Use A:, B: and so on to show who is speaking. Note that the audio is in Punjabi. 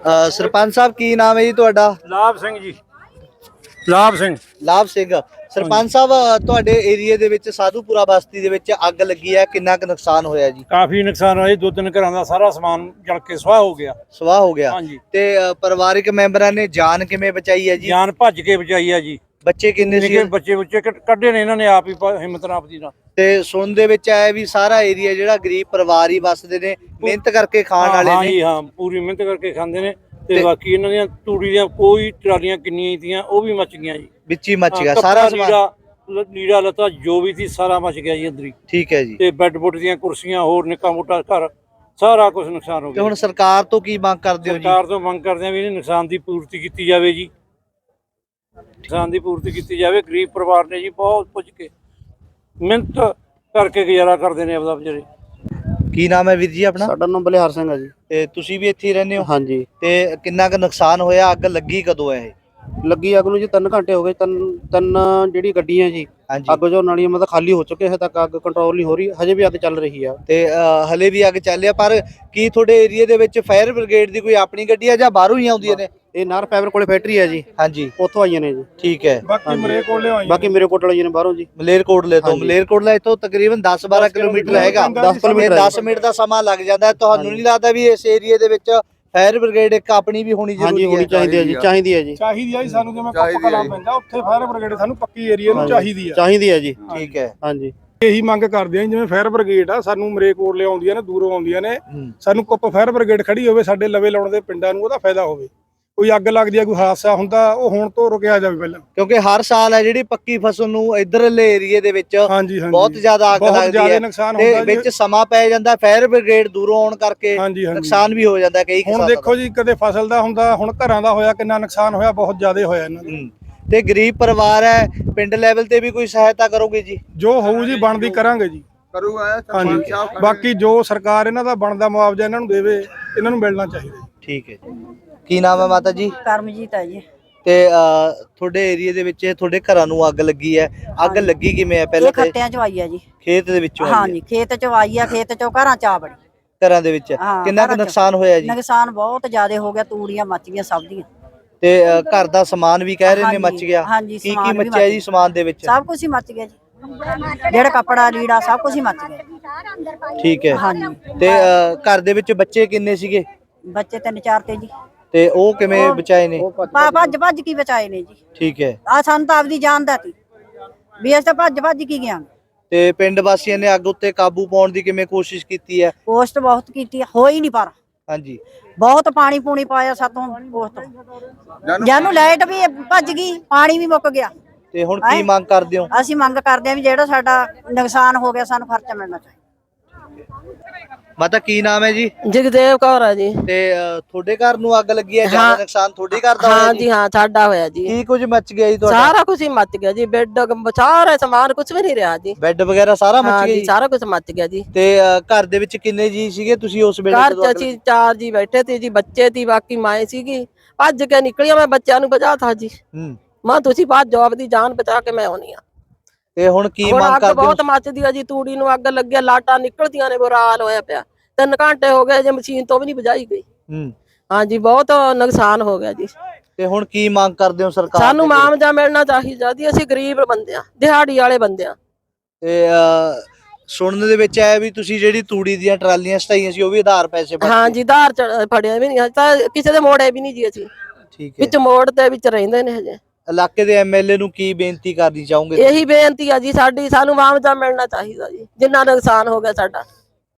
A: ਸਰਪੰਚ ਸਾਹਿਬ ਕੀ ਨਾਮ ਹੈ ਜੀ ਤੁਹਾਡਾ?
B: ਲਾਭ ਸਿੰਘ ਜੀ। ਲਾਭ ਸਿੰਘ
A: ਸਰਪੰਚ ਸਾਹਿਬ ਤੁਹਾਡੇ ਏਰੀਆ ਦੇ ਵਿੱਚ ਸਾਧੂਪੁਰਾ ਬਸਤੀ ਦੇ ਵਿੱਚ ਅੱਗ ਲੱਗੀ ਹੈ, ਕਿੰਨਾ ਕੁ ਨੁਕਸਾਨ ਹੋਇਆ ਜੀ?
B: ਕਾਫੀ ਨੁਕਸਾਨ ਹੋਇਆ, 2-3 ਘਰਾਂ ਦਾ ਸਾਰਾ ਸਮਾਨ ਜਲ ਕੇ ਸੁਆਹ ਹੋ ਗਿਆ।
A: ਹਾਂਜੀ। ਤੇ ਪਰਿਵਾਰਕ ਮੈਂਬਰਾਂ ਨੇ ਜਾਨ ਕਿਵੇਂ ਬਚਾਈ ਹੈ ਜੀ?
B: ਜਾਨ ਭੱਜ ਕੇ ਬਚਾਈ ਹੈ ਜੀ।
A: ਬੱਚੇ ਕਿੰਨੇ ਸੀ?
B: ਬੱਚੇ ਕੱਢੇ ਨੇ ਇਹਨਾਂ ਨੇ ਆਪ ਹੀ ਹਿੰਮਤ ਨਾਲ ਆਪਦੀ ਨਾਲ।
A: ਤੇ ਸੁਣ ਦੇ ਵਿੱਚ ਆਇਆ ਵੀ ਸਾਰਾ ਏਰੀਆ ਜਿਹੜਾ ਗਰੀਬ ਪਰਿਵਾਰ ਹੀ ਵਸਦੇ ਨੇ, ਮਿਹਨਤ ਕਰਕੇ ਖਾਣ ਵਾਲੇ ਨੇ।
B: ਹਾਂ, ਪੂਰੀ ਮਿਹਨਤ ਕਰਕੇ ਖਾਂਦੇ ਨੇ। ਤੇ ਬਾਕੀ ਇਹਨਾਂ ਦੀਆਂ ਤੂੜੀ ਦੀਆਂ ਕੋਈ ਟਰਾਲੀਆਂ ਕਿੰਨੀਆਂ ਹੀ ਤੀਆਂ ਉਹ ਵੀ ਮੱਚ ਗਈਆਂ ਜੀ।
A: ਵਿੱਚ ਹੀ ਮੱਚ ਗਿਆ ਸਾਰਾ ਸਮਾਨ,
B: ਲੀੜਾ ਲੱਤਾ ਜੋ ਵੀ ਸੀ ਸਾਰਾ ਮੱਚ ਗਿਆ ਜੀ ਅੰਦਰ ਹੀ।
A: ਠੀਕ ਹੈ ਜੀ।
B: ਤੇ ਬੈੱਡ ਬੁੱਡ ਦੀਆਂ ਕੁਰਸੀਆਂ ਹੋਰ ਨਿੱਕਾ ਮੋਟਾ ਘਰ ਸਾਰਾ ਕੁਝ ਨੁਕਸਾਨ ਹੋ ਗਿਆ।
A: ਤੇ ਹੁਣ ਸਰਕਾਰ ਤੋਂ ਕੀ ਮੰਗ ਕਰਦੇ ਹੋ ਜੀ?
B: ਸਰਕਾਰ ਤੋਂ ਮੰਗ ਕਰਦੇ ਆ ਵੀ ਇਹਨੇ ਨੁਕਸਾਨ ਦੀ ਪੂਰਤੀ ਕੀਤੀ ਜਾਵੇ ਜੀ। ਨੁਕਸਾਨ ਦੀ ਪੂਰਤੀ ਕੀਤੀ ਜਾਵੇ। ਗਰੀਬ ਪਰਿਵਾਰ ਨੇ ਜੀ ਬਹੁਤ ਪੁੱਜ ਕੇ ਮਿਹਨਤ ਕਰਕੇ ਗੁਜ਼ਾਰਾ ਕਰਦੇ ਨੇ ਆਪਦਾ ਵਿਚਾਰੇ।
A: ਕੀ ਨਾਮ ਹੈ ਵੀਰ ਜੀ ਆਪਣਾ?
C: ਸਾਡਾ ਨਾਮ ਬਲਿਹਾਰ ਸਿੰਘ ਹੈ ਜੀ।
A: ਤੇ ਤੁਸੀਂ ਵੀ ਇੱਥੇ ਹੀ ਰਹਿੰਦੇ ਹੋ?
C: ਹਾਂਜੀ।
A: ਤੇ ਕਿੰਨਾ ਕੁ ਨੁਕਸਾਨ ਹੋਇਆ? ਅੱਗ ਲੱਗੀ ਕਦੋਂ ਹੈ ਇਹ?
C: ਲੱਗੀ ਅੱਗ ਨੂੰ ਜੀ 3 ਘੰਟੇ ਹੋ ਗਏ। ਤਿੰਨ ਜਿਹੜੀ ਗੱਡੀਆਂ ਜੀ ਅੱਗ ਜੋ ਨਾਲੀਆਂ ਮਤਲਬ ਖਾਲੀ ਹੋ ਚੁੱਕੇ, ਹਜੇ ਤੱਕ ਅੱਗ ਕੰਟਰੋਲ ਨਹੀਂ ਹੋ ਰਹੀ, ਹਜੇ ਵੀ ਅੱਗ ਚੱਲ ਰਹੀ ਆ।
A: ਤੇ ਹਲੇ ਵੀ ਅੱਗ ਚੱਲ ਰਿਹਾ, ਪਰ ਕੀ ਤੁਹਾਡੇ ਏਰੀਆ ਦੇ ਵਿੱਚ ਫਾਇਰ ਬ੍ਰਿਗੇਡ ਦੀ ਕੋਈ ਆਪਣੀ ਗੱਡੀ ਹੈ ਜਾਂ ਬਾਹਰੋਂ ਹੀ ਆਉਂਦੀਆਂ ਨੇ?
C: ਇਹ ਨਾਰ ਫਾਈਬਰ ਕੋਲੇ ਫੈਕਟਰੀ ਹੈ ਜੀ।
A: ਹਾਂਜੀ,
C: ਉੱਥੋਂ ਆਈਆਂ ਨੇ ਜੀ।
A: ਠੀਕ ਹੈ।
C: ਬਾਕੀ ਮੇਰੇ ਕੋਲ ਆਈਆਂ ਨੇ ਬਾਹਰੋਂ ਜੀ।
A: ਮਲੇਰਕੋਟਲੇ ਤੋਂ। ਮਲੇਰਕੋਟਲਾ ਇੱਥੋਂ ਤਕਰੀਬਨ 10-12 ਕਿਲੋਮੀਟਰ ਹੈਗਾ। 10 ਮਿੰਟ ਦਾ ਸਮਾਂ ਲੱਗ ਜਾਂਦਾ। ਤੁਹਾਨੂੰ ਨਹੀਂ ਲੱਗਦਾ ਵੀ ਇਸ ਏਰੀਆ ਦੇ ਵਿੱਚ ਫਾਇਰ ਬ੍ਰਿਗੇਡ ਇੱਕ ਆਪਣੀ ਵੀ ਹੋਣੀ ਜ਼ਰੂਰੀ ਹੈ?
C: ਹੋਣੀ ਚਾਹੀਦੀ ਹੈ ਜੀ। ਚਾਹੀਦੀ ਹੈ ਜੀ।
D: ਸਾਨੂੰ ਜਿਵੇਂ ਕੱਪ ਕਲਾਂ ਪੈਂਦਾ ਉੱਥੇ ਫਾਇਰ ਬ੍ਰਿਗੇਡ ਸਾਨੂੰ ਪੱਕੀ ਏਰੀਆ ਨੂੰ
C: ਚਾਹੀਦੀ ਹੈ ਜੀ।
A: ਠੀਕ ਹੈ।
C: ਹਾਂਜੀ,
D: ਇਹੀ ਮੰਗ ਕਰਦੇ ਆ ਜਿਵੇਂ ਫਾਇਰ ਬ੍ਰਿਗੇਡ ਆ ਸਾਨੂੰ ਮਲੇਰਕੋਟਲੇ ਆਉਂਦੀਆਂ ਨੇ, ਦੂਰੋਂ ਆਉਂਦੀਆਂ ਨੇ, ਸਾਨੂੰ ਕੁੱਪ ਫਾਇਰ ਬ੍ਰਿਗੇਡ ਖੜੀ ਹੋਵੇ ਸਾਡੇ ਲਵੇ ਲਾਉਣ ਦੇ ਪਿੰਡਾਂ ਨੂੰ, ਉਹਦਾ ਫਾਇਦਾ ਹੋਵੇ। ਕੋਈ ਅੱਗ ਲੱਗਦੀ ਆ, ਕੋਈ ਹਾਦਸਾ ਹੁੰਦਾ, ਉਹ ਹੁਣ ਤੋਂ ਰੁਕਿਆ ਜਾਵੇ ਪਹਿਲਾਂ।
A: ਕਿਉਂਕਿ ਹਰ ਸਾਲ ਹੈ ਜਿਹੜੀ ਪੱਕੀ ਫਸਲ ਨੂੰ ਇਧਰਲੇ ਏਰੀਏ ਦੇ ਵਿੱਚ ਬਹੁਤ ਜ਼ਿਆਦਾ ਅੱਗ ਲੱਗਦੀ ਹੈ ਤੇ ਵਿੱਚ ਸਮਾਂ ਪੈ ਜਾਂਦਾ। ਫਾਇਰ ਬ੍ਰਿਗੇਡ ਦੂਰੋਂ ਆਉਣ ਕਰਕੇ ਨੁਕਸਾਨ ਵੀ ਹੋ ਜਾਂਦਾ ਕਈ।
D: ਹੁਣ ਦੇਖੋ ਜੀ, ਕਦੇ ਫਸਲ ਦਾ ਹੁੰਦਾ, ਹੁਣ ਘਰਾਂ ਦਾ ਹੋਇਆ, ਕਿੰਨਾ ਨੁਕਸਾਨ ਹੋਇਆ, ਬਹੁਤ ਜ਼ਿਆਦਾ ਹੋਇਆ ਇਹਨਾਂ ਦਾ।
A: ਤੇ ਗਰੀਬ ਪਰਿਵਾਰ ਹੈ, ਪਿੰਡ ਲੈਵਲ ਤੇ ਵੀ ਕੋਈ ਸਹਾਇਤਾ ਕਰੋਗੇ ਜੀ?
D: ਜੋ ਹੋਊ ਜੀ ਬਣਦੀ ਕਰਾਂਗੇ ਜੀ। ਹਾਂਜੀ, ਬਾਕੀ ਜੋ ਸਰਕਾਰ ਇਹਨਾਂ ਦਾ ਬਣਦਾ ਮੁਆਵਜ਼ਾ ਇਹਨਾਂ ਨੂੰ ਦੇਵੇ, ਇਹਨਾਂ ਨੂੰ ਮਿਲਣਾ ਚਾਹੀਦਾ।
A: ਠੀਕ ਹੈ ਜੀ। ਕੀ ਨਾਮ ਹੈ ਮਾਤਾ ਜੀ?
E: ਕਰਮਜੀਤ ਹੈ ਜੀ।
A: ਤੇ ਤੁਹਾਡੇ ਏਰੀਆ ਦੇ ਵਿੱਚ ਤੁਹਾਡੇ ਘਰਾਂ ਨੂੰ ਅੱਗ ਲੱਗੀ ਹੈ, ਅੱਗ ਲੱਗੀ ਕਿਵੇਂ ਹੈ? ਪਹਿਲਾਂ
E: ਖੱਤਿਆਂ ਚ ਆਈ ਹੈ ਜੀ।
A: ਖੇਤ ਦੇ ਵਿੱਚੋਂ?
E: ਹਾਂਜੀ, ਖੇਤ ਚ ਆਈ ਆ, ਖੇਤ ਚੋਂ ਘਰਾਂ ਚ ਆ ਬੜੀ।
A: ਘਰਾਂ ਦੇ ਵਿੱਚ ਕਿੰਨਾ ਕੁ ਨੁਕਸਾਨ ਹੋਇਆ ਜੀ?
E: ਨੁਕਸਾਨ ਬਹੁਤ ਜ਼ਿਆਦਾ ਹੋ ਗਿਆ, ਤੂੜੀਆਂ ਮੱਚ ਗਈਆਂ ਸਭ ਦੀਆਂ।
A: ਤੇ ਘਰ ਦਾ ਸਮਾਨ ਵੀ ਕਹਿ ਰਹੇ ਨੇ ਮੱਚ ਗਿਆ? ਕੀ ਕੀ ਮੱਚਿਆ ਜੀ ਸਮਾਨ ਦੇ ਵਿੱਚ?
E: ਸਭ ਕੁਝ ਹੀ ਮੱਚ ਗਿਆ ਜੀ, ਜਿਹੜਾ ਕੱਪੜਾ ਲੀੜਾ ਸਭ ਕੁਝ ਹੀ ਮੱਚ ਗਿਆ।
A: ਠੀਕ ਹੈ।
E: ਹਾਂਜੀ।
A: ਤੇ ਘਰ ਦੇ ਵਿੱਚ ਬੱਚੇ ਕਿੰਨੇ ਸੀਗੇ?
E: ਬੱਚੇ 3-4 ਤੇ ਜੀ।
A: ਤੇ ਉਹ ਕਿਵੇਂ ਬਚਾਏ ਨੇ?
E: ਭੱਜ ਕੀ ਬਚਾਏ ਨੇ ਜੀ।
A: ਠੀਕ ਹੈ।
E: ਆ ਸਾਨੂੰ ਤਾਂ ਆਪਦੀ ਜਾਨ ਦਾ ਸੀ ਵੀ ਅਸੀਂ ਤਾਂ ਭੱਜ ਕੀ ਗਿਆ।
A: ਤੇ ਪਿੰਡ ਵਾਸੀਆਂ ਨੇ ਅੱਗ ਉੱਤੇ ਕਾਬੂ ਪਾਉਣ ਦੀ ਕਿਵੇਂ ਕੋਸ਼ਿਸ਼ ਕੀਤੀ ਹੈ?
E: ਕੋਸ਼ਿਸ਼ ਬਹੁਤ ਕੀਤੀ, ਹੋਈ ਨਹੀਂ ਪਰ।
A: ਹਾਂਜੀ।
E: ਬਹੁਤ ਪਾਣੀ ਪੂਣੀ ਪਾਇਆ ਸਾਤੋਂ ਕੋਸ਼ਿਸ਼, ਜਾਨੂੰ ਲਾਈਟ ਵੀ ਭੱਜ ਗਈ, ਪਾਣੀ ਵੀ ਮੁੱਕ ਗਿਆ।
A: ਤੇ ਹੁਣ ਕੀ ਮੰਗ ਕਰਦੇ ਹੋ?
E: ਅਸੀਂ ਮੰਗ ਕਰਦੇ ਹਾਂ ਵੀ ਜਿਹੜਾ ਸਾਡਾ ਨੁਕਸਾਨ ਹੋ ਗਿਆ ਸਾਨੂੰ ਖਰਚਾ ਮਿਲਣਾ ਚਾਹੀਦਾ।
A: ਮਾਤਾ ਕੀ ਨਾਮ ਹੈ ਜੀ?
F: ਜਗਦੇਵ ਕੌਰ ਹੈ ਜੀ।
A: ਤੇ ਤੁਹਾਡੇ ਘਰ ਨੂੰ ਅੱਗ ਲੱਗੀ ਹੈ, ਜ਼ਿਆਦਾ ਨੁਕਸਾਨ ਤੁਹਾਡੇ ਘਰ ਦਾ ਹੋਇਆ?
F: ਹਾਂ ਜੀ, ਹਾਂ ਸਾਡਾ ਹੋਇਆ ਜੀ।
A: ਕੀ ਕੁਝ ਮੱਚ ਗਿਆ ਜੀ ਤੁਹਾਡਾ?
F: ਸਾਰਾ ਕੁਝ ਹੀ ਮੱਚ ਗਿਆ ਜੀ, ਬੈੱਡ ਸਾਰਾ ਸਮਾਨ ਕੁਝ ਵੀ ਨਹੀਂ ਰਿਹਾ ਜੀ।
A: ਬੈੱਡ ਵਗੈਰਾ ਸਾਰਾ ਮੱਚ ਗਿਆ ਜੀ?
F: ਸਾਰਾ ਕੁਝ ਮੱਚ ਗਿਆ ਜੀ।
A: ਤੇ ਘਰ ਦੇ ਵਿੱਚ ਕਿੰਨੇ ਜੀ ਸੀਗੇ ਤੁਸੀਂ ਉਸ ਵੇਲੇ?
F: ਘਰ ਚ ਅਸੀਂ 4 ਜੀ ਬੈਠੇ ਤੇ ਜੀ, ਬੱਚੇ ਤੀ, ਬਾਕੀ ਮਾਂ ਸੀਗੀ। ਭੱਜ ਕੇ ਨਿਕਲੀਆਂ, ਮੈਂ ਬੱਚਿਆਂ ਨੂੰ ਬਚਾਤਾ ਜੀ। ਮਾਂ ਤੁਸੀਂ ਬਾਅਦ ਜਵਾਬ ਦੀ ਜਾਨ ਬਚਾ ਕੇ ਮੈਂ ਆਉਣੀ ਆ।
A: ਤੇ ਹੁਣ ਕੀ ਮੰਗ ਕਰਦੇ ਹੋ?
F: ਬਹੁਤ ਮੱਚਦੀ ਆ ਜੀ, ਤੂੜੀ ਨੂੰ ਅੱਗ ਲੱਗਿਆ, ਲਾਟਾਂ ਨਿਕਲਦੀਆਂ ਨੇ, ਬੁਰਾ ਹਾਲ ਹੋਇਆ ਪਿਆ। 3 ਘੰਟੇ ਹੋ ਗਏ ਜੇ ਮਸ਼ੀਨ ਤੋਂ ਵੀ ਨਹੀਂ ਬੁਝਾਈ ਗਈ। ਹਾਂਜੀ, ਬਹੁਤ ਨੁਕਸਾਨ ਹੋ ਗਿਆ ਜੀ।
A: ਤੇ ਹੁਣ ਕੀ ਮੰਗ ਕਰਦੇ ਹੋ ਸਰਕਾਰ?
F: ਸਾਨੂੰ ਮੁਆਵਜ਼ਾ ਮਿਲਣਾ ਚਾਹੀਦਾ ਜੀ, ਅਸੀਂ ਗਰੀਬ ਬੰਦੇ ਆ, ਦਿਹਾੜੀ ਵਾਲੇ ਬੰਦੇ ਆ।
A: ਤੇ ਸੁਣਨ ਦੇ ਵਿੱਚ ਆਇਆ ਵੀ ਤੁਸੀਂ ਜਿਹੜੀ ਤੂੜੀ ਦੀਆਂ ਟਰਾਲੀਆਂ ਸਟਾਈਆਂ ਸੀ ਉਹ ਵੀ ਆਧਾਰ ਪੈਸੇ ਭਰਦੇ?
F: ਹਾਂਜੀ, ਆਧਾਰ ਫੜਿਆ ਵੀ ਨਹੀਂ, ਤਾਂ ਕਿਸੇ ਦੇ ਮੋੜੇ ਵੀ ਨਹੀਂ ਜੀ ਅਸੀਂ।
A: ਠੀਕ ਹੈ।
F: ਵਿੱਚ ਮੋੜ ਦੇ ਵਿੱਚ ਰਹਿੰਦੇ ਨੇ ਹਜੇ।
A: ਇਲਾਕੇ ਦੇ ਐਮਐਲਏ ਨੂੰ ਕੀ ਬੇਨਤੀ ਕਰਨੀ ਚਾਹੋਗੇ?
F: ਇਹੀ ਬੇਨਤੀ ਆ ਜੀ ਸਾਡੀ, ਸਾਨੂੰ ਮੁਆਵਜ਼ਾ ਮਿਲਣਾ ਚਾਹੀਦਾ ਜੀ, ਜਿੰਨਾ ਨੁਕਸਾਨ ਹੋ ਗਿਆ ਸਾਡਾ।